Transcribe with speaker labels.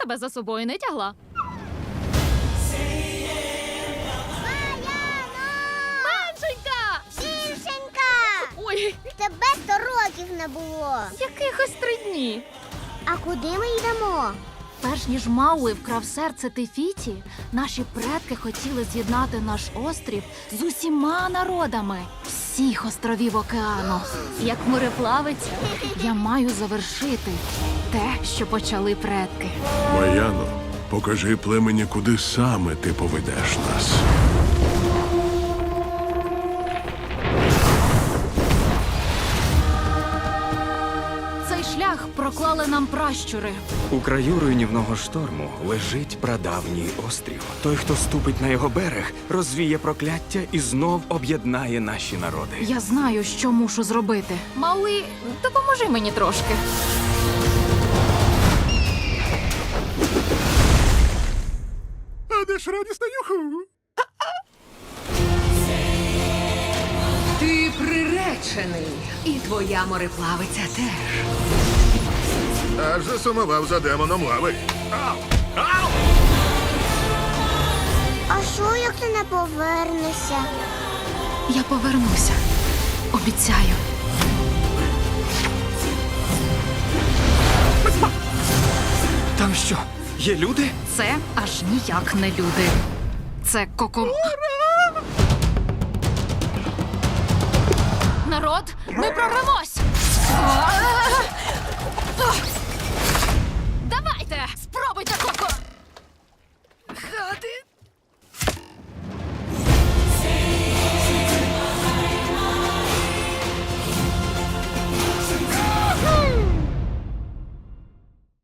Speaker 1: тебе за собою не тягла. Меншенька!
Speaker 2: Більшенька!
Speaker 1: Ой,
Speaker 2: Тебе 100 років не було.
Speaker 1: якихось 3 дні.
Speaker 2: А куди ми йдемо?
Speaker 1: Перш ніж Мауи вкрав серце Тефіті, наші предки хотіли з'єднати наш острів з усіма народами всіх островів океану. Як мореплавець, я маю завершити те, що почали предки.
Speaker 3: Маяно, покажи племені, куди саме ти поведеш нас.
Speaker 1: Цей шлях проклали нам пращури.
Speaker 4: У краю руйнівного шторму лежить прадавній острів. Той, хто ступить на його берег, розвіє прокляття і знов об'єднає наші народи.
Speaker 1: Я знаю, що мушу зробити. Мауи, допоможи мені трошки.
Speaker 3: А де ж радісна юху?
Speaker 5: Ти приречений, і твоя мореплавиця теж.
Speaker 3: Аж засумував за демоном лави.
Speaker 2: А що, як ти не повернешся?
Speaker 1: Я повернуся. Обіцяю.
Speaker 4: Там що, є люди?
Speaker 1: Це аж ніяк не люди. Це Народ, ми прорвемось! Давайте! Спробуйте, Коко!